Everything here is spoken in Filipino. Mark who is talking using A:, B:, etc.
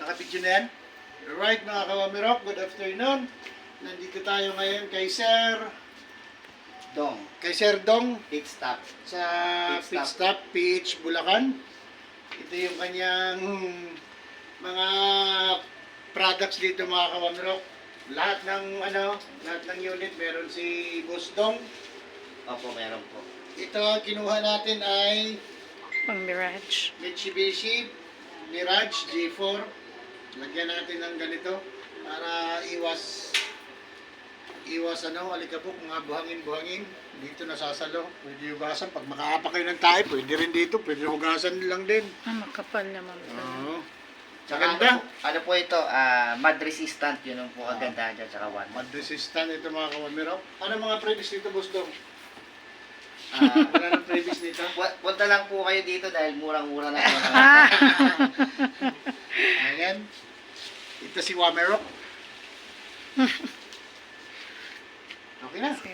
A: Nakapidyo na yan? Alright mga kawamirok, good afternoon. Nandito tayo ngayon kay Sir Dong
B: Pit stop.
A: sa
B: Pit
A: Pit Stop PH Bulacan. Ito yung kanyang mga products dito mga kawamirok. Lahat ng unit meron si Boss Dong.
B: Opo, meron po.
A: Ito kinuha natin ay
C: Pang Mirage.
A: Mitsubishi Mirage G4. Lagyan natin ng ganito para iwas alikabok, mga buhangin dito nasasalo. Pwede hugasan pag makaapak kayo ng tayo, pwede rin dito, pwede hugasan lang din.
C: Makapal naman.
A: Oo.
B: Tsaka
A: Maganda.
B: ano po ito, mud resistant, yun ang po kagandahan dyan, tsaka one.
A: Mud resistant ito mga kawamirok. Ano mga previous dito, Boss Dong?
B: Ah,
A: Wala nang previous dito.
B: punta lang po kayo dito dahil murang-mura lang po.
A: Ayan. Ito si Wamerok. Okay na.